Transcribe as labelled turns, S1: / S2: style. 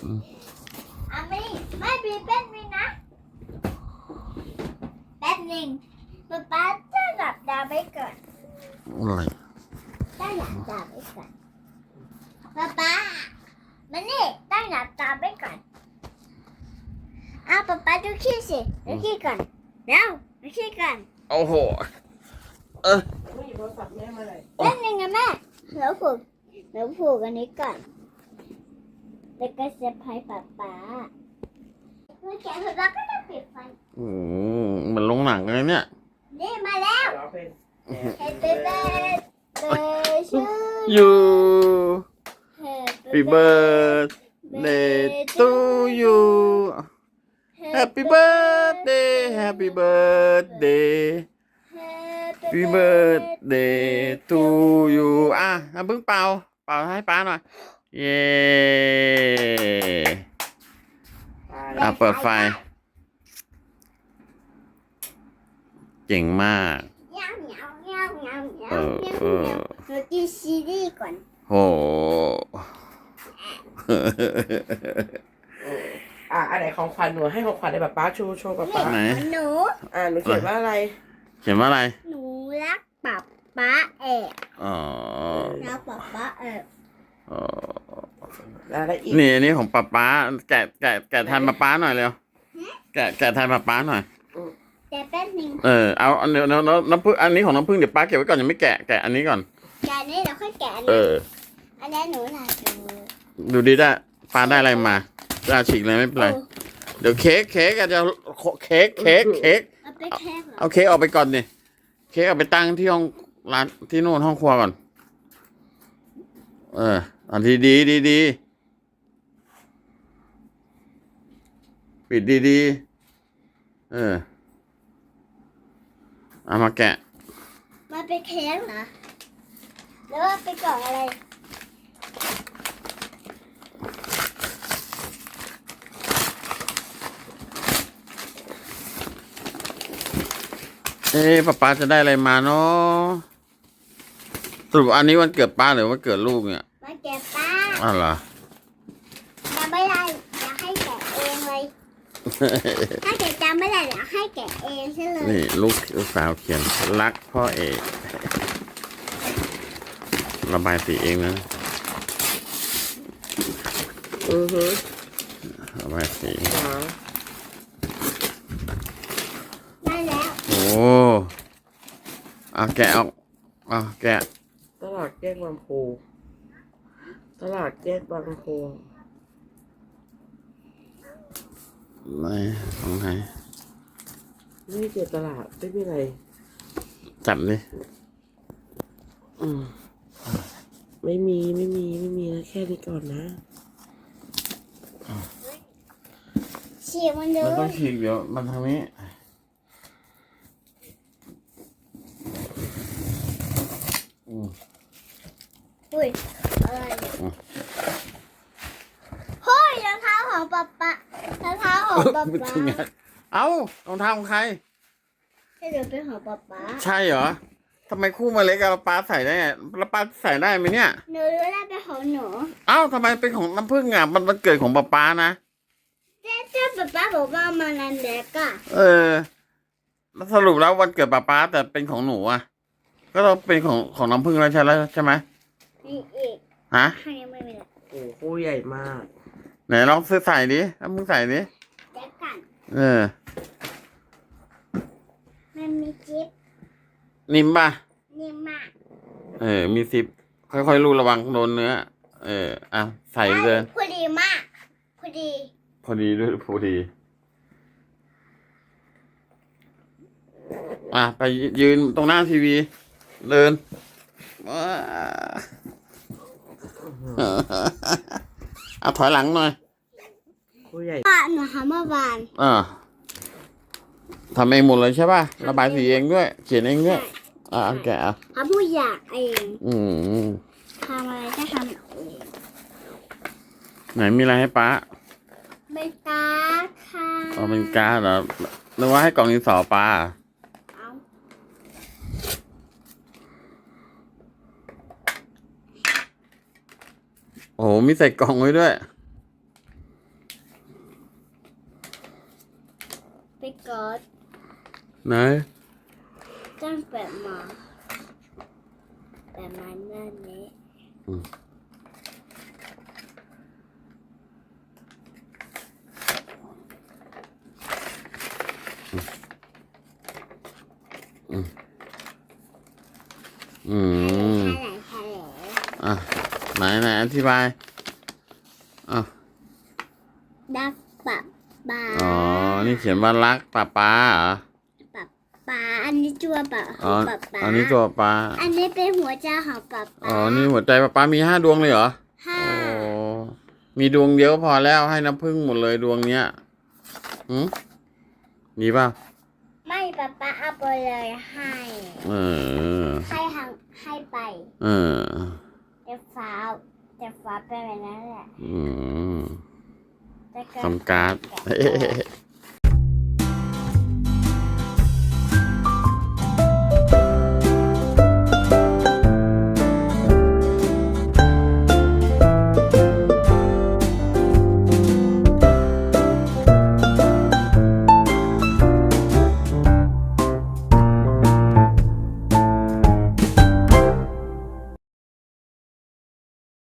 S1: ไม่มีแป๊บนึงนะแป๊บนึงป๊าจะหลับตาไปก่อน
S2: อะไร
S1: ตั้งหลับตาไปก่อนป๊ามานี่ตั้งหลับตาไปก่อนป๊าดูขี้สิดูขี้ก่อนเร็วดูขี้ก่อน
S2: โอ้โห
S3: ไม่หยิบโทรศัพท์แม่มาเลย
S1: แป๊บนึงนะแม่เราผูกอันนี้ก่อนแล้วก็เซฟไพรส์ป๊าเมื่อแกะป๊าก็จะปิดไฟ
S2: เหมือนโรงหนังเลยเนี่ย
S1: นี่มาแล้ว
S3: ร้องเพลง
S1: Happy birthday to
S2: you
S1: Happy
S2: happy birthday to you happy birthday happy birthday happy birthday to you เพิ่งเป่าให้ป้าหน่อยเย้เปิดไฟเจ๋งมาก
S1: หนูกินซีรีส์ก่อน
S2: โห
S3: อันไหนของขวัญหนูให้ของขวัญในแบบป้าโชว์ป้า
S2: ไหน
S1: หนู
S3: หนูเขียนว่าอะไร
S2: เขียนว่าอะไร
S1: หนูรักป๊าแอบ
S2: อ๋อ
S1: รักป๊าแอบ
S3: อะไรอีก
S2: นี่อันนี้ของป๊าแกะแทนป๊าหน่อยเร็วแกะแทนป๊าหน่อย
S1: แต่แป๊บนึง
S2: เอาเดี๋ยวน้ำผึ้งอันนี้ของน้ำผึ้งเดี๋ยวป้าเก็บไว้ก่อนยังไม่แกะอันนี้ก่อน
S1: แกะนี่เดี๋ยวค่อยแกะอัน
S2: เอ
S1: นี้
S2: อ
S1: อันนี้หนูน่าดู
S2: ดูดีได้ป้าได้อะไรมาจะฉีกเลยไม่เป็นไรเดี๋ยวเค้กอาจจะเค้ก
S1: เอาไปแค่เหรอ
S2: เอาเค้กออกไปก่อนดิเค้กเอาไปตั้งที่ห้องร้านที่นู่นห้องครัวก่อนอันที่ดีปิดดีเอามาแกะ
S1: มาเป็นเค้กเหรอแล้วว่าเป็นกล่องอะไร
S2: ป๊าจะได้อะไรมาเนาะสรุปอันนี้วันเกิดป้าหรือวันเกิดลูกเนี่ย
S1: มาแกะป้า
S2: อ้าวเหรอ
S1: จำไม่ได้อยากให้แกะเองเลย ถ้าแกะจำไม่ได้อยากให้แกะเองใช่เลย
S2: นี่ลูกสาวเขียนรักพ่อเอกระบายสีเองนะระบายสี
S1: ได้แล้ว
S2: โอ้แกะออกแกะ
S3: ตลาดแยกบางโพตลาดแยกบางโพ
S2: ไหนของไหน
S3: นี่เจอตลาดไม่มีอะไร
S2: จับดิ
S3: ไม่มีนะแค่นี้ก่อนนะ
S1: ฉีกมันดู
S2: มันต้องฉีกเดี๋ยวมันทางนี้
S1: อุ้ยอะไรเนี่ยเฮ้ยรองเท้าของป๊ารองเท้าของป๊า
S2: เอ้ารองเท้าของใคร
S1: ให้เดี๋ยวเป็นของป๊า
S2: ใช่เหรอทำไมคู่มาเล็กกับป้าใส่ได้แล้วป้าใส่ได้ไหมเนี่ย
S1: หนูรู้แล้วเป็นของหนู
S2: ทำไมเป็นของน้ำผึ้งมันวันเกิดของป้านะ
S1: แต่ป๊าบอกว่ามันนันเด็กอะ
S2: แล้วสรุปแล้ววันเกิดป้าแต่เป็นของหนูอ่ะก็ต้องเป็นของน้ำผึ้งแล้วใช่ไหม
S1: นี่อีก
S2: ฮะ
S1: ให้ไม่เป็นไร
S3: โอ้คู่ใหญ่มาก
S2: ไหนลองซื้อใส่ดิน้ำผึ้งใส่ดิ
S1: เด็กกัน มันมีจิ๊บ
S2: นิ่มป่ะ
S1: นิ่มมาก
S2: มีซิปค่อยๆรูระวังโดนเนื้อใส่เลย
S1: พอดีมากพอดี
S2: พอดีด้วยพอดีไปยืนตรงหน้าทีวีเดินถอยหลังหน่อย
S3: คู่ใหญ่
S1: หนูทำเมื่อวาน
S2: ทำเองหมดเลยใช่ป่ะระบายสีเองด้วยเขียนเองด้วยแกะ
S1: ทำผู้อยากเอง ทำอะไรก็ทำเอง
S2: ไหนมีอะไรให้ป้า
S1: เป็นการ์ดค่ะ
S2: เป็นการ์ดเหรอนึกว่าให้กล่องดินสอป้า
S1: เอา
S2: โอ้โหมีใส่กล่องไว้ด้วยไหน
S1: ต้องเปิดมาแบบมันนั่นนี้
S2: อืม
S1: แถลง
S2: อ่ะไหนอธิบายอ่ะ
S1: ดักปับปลา
S2: อ๋อ นี่เขียนว่ารักป้าป้าเหรอ
S1: ปับปลาอันนี้ตัวปับข
S2: อ๋
S1: อ
S2: อง
S1: ปับปลา
S2: อันนี้ตัวป้า
S1: อันนี้เป็นหัวใจของปับป
S2: อ๋อ
S1: ลา
S2: นี่หัวใจป้าป้ามี5 ดวงเลยเหรอ
S1: ห้า
S2: โอ้มีดวงเดียวก็พอแล้วให้น้ำผึ้งหมดเลยดวงเนี้ยดีป่ะ
S1: ไม่ปับปลาเอาไปเลยให้
S2: เออ
S1: ให้ไป
S2: เออ
S1: จะฟ้าไปแบบนั้นแหละ
S2: อืม
S1: แต่ก็
S2: ทำการ์ด